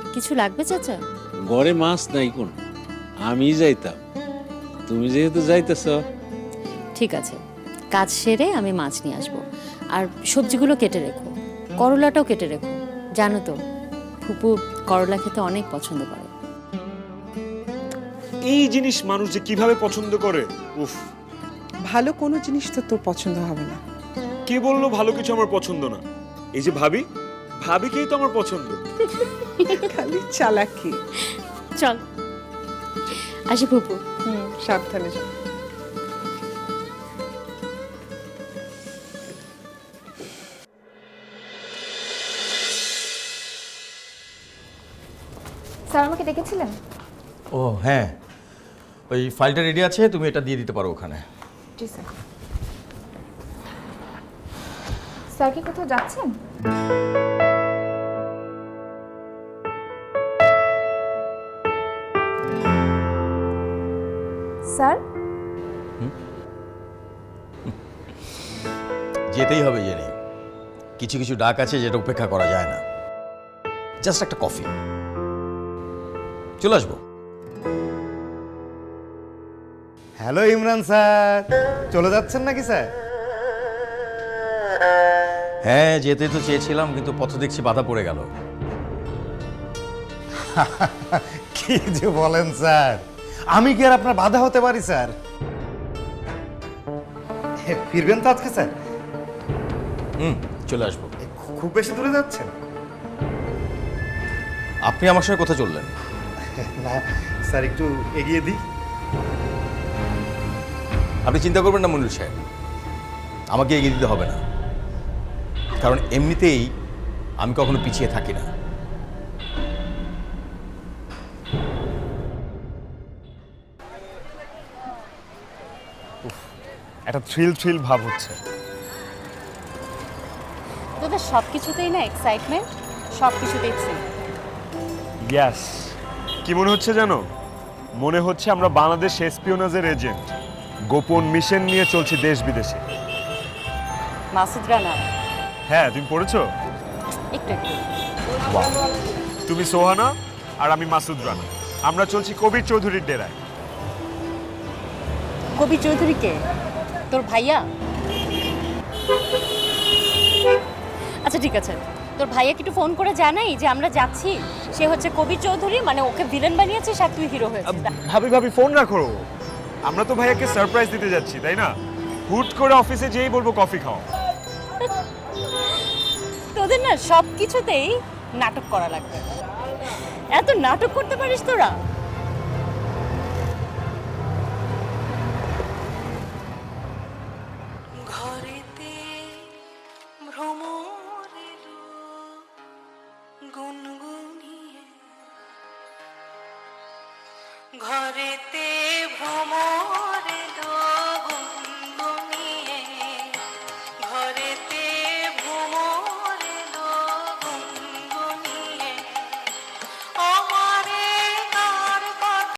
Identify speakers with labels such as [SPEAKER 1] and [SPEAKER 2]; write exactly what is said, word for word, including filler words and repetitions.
[SPEAKER 1] কিছু লাগবে চাচা?
[SPEAKER 2] ঘরে মাছ নাই কোন, আমি যাইতাম, তুমি যেহেতু যাইতেছ।
[SPEAKER 1] ঠিক আছে, কাজ সেরে আমি মাছ নিয়ে আসবো। আর সবজিগুলো কেটে রেখো, করলাটাও কেটে রেখো। জানো তো ফুপু করলা খেতে অনেক পছন্দ করে।
[SPEAKER 3] এই জিনিস মানুষ যে কিভাবে পছন্দ করে, উফ।
[SPEAKER 4] ভালো কোনো জিনিস তো তোর পছন্দ হবে না।
[SPEAKER 3] কে বললো ভালো কিছু আমার পছন্দ না? এই যে ভাবি, ভাবিকেই তো আমার পছন্দ।
[SPEAKER 4] খালি চালাকি।
[SPEAKER 1] চল আসি ফুপু।
[SPEAKER 4] হুম, সাবধানে যা।
[SPEAKER 5] স্যার আমাকে ডেকেছিলেন?
[SPEAKER 6] ও হ্যাঁ, ওই ফাইলটা রেডি আছে, তুমি এটা দিয়ে দিতে পারো ওখানে।
[SPEAKER 5] জি স্যার। স্যার কি কোথাও যাচ্ছেন? স্যার
[SPEAKER 6] যেতেই হবে জেনে, কিছু কিছু ডাক আছে যেটা উপেক্ষা করা যায় না। জাস্ট একটা কফি, চলে আসবো।
[SPEAKER 7] হ্যালো ইমরান স্যার, চলে যাচ্ছেন নাকি স্যার?
[SPEAKER 6] হ্যাঁ যেতে তো চেয়েছিলাম, কিন্তু পথ দেখছি বাধা পড়ে গেল।
[SPEAKER 7] কি যে বলেন স্যার, আমি কি আর আপনার বাধা হতে পারি স্যার? হে, ফিরবেন তো আজকে স্যার?
[SPEAKER 6] হুম, চলে আসবো।
[SPEAKER 7] খু- খুব বেশি দূরে যাচ্ছেন?
[SPEAKER 6] আপনি আমার সঙ্গে কোথায় চললেন?
[SPEAKER 7] না স্যার, একটু এগিয়ে দিই।
[SPEAKER 6] আপনি চিন্তা করবেন না মনির সাহেব, আমাকে এগিয়ে দিতে হবে না, কারণ এমনিতেই আমি কখনো পিছিয়ে থাকি না।
[SPEAKER 3] একটা থ্রিল থ্রিল ভাব হচ্ছে।
[SPEAKER 1] তোদের সব কিছুতেই না এক্সাইটমেন্ট, সব কিছুতেই থ্রিল।
[SPEAKER 3] ইয়াস, কি মনে হচ্ছে জানো? মনে হচ্ছে আমরা বাংলাদেশ এসপিওনাজের এজেন্ট, গোপন মিশন নিয়ে চলছি দেশ বিদেশে।
[SPEAKER 1] মাসুদ রানা
[SPEAKER 3] হ্যাঁ, তুমি পড়েছো?
[SPEAKER 1] একটু একটু।
[SPEAKER 3] তুমি সোহানা আর আমি মাসুদ রানা, আমরা চলছি কবির চৌধুরীর ডেরায়।
[SPEAKER 1] কবি চৌধুরী কে? তোর ভাইয়া? আচ্ছা ঠিক আছে, তোর ভাইয়াকে একটু ফোন করে জানাই যে আমরা যাচ্ছি। সে হচ্ছে কবি চৌধুরী, মানে ওকে ভিলেন বানিয়েছিস আর তুই হিরো হয়েছিস।
[SPEAKER 3] ভাবি ভাবি ফোন রাখো, আমরা তো ভাইয়াকে সারপ্রাইজ দিতে যাচ্ছি, তাই না? হুট করে অফিসে যেই বলবো কফি খাও।
[SPEAKER 1] তোদের না সব কিছুতেই নাটক করা লাগবে। এত নাটক করতে পারিস তোরা?
[SPEAKER 8] ঘরেতে ভ্রমর এলো গুনগুনিয়ে, ঘরেতে ভ্রমর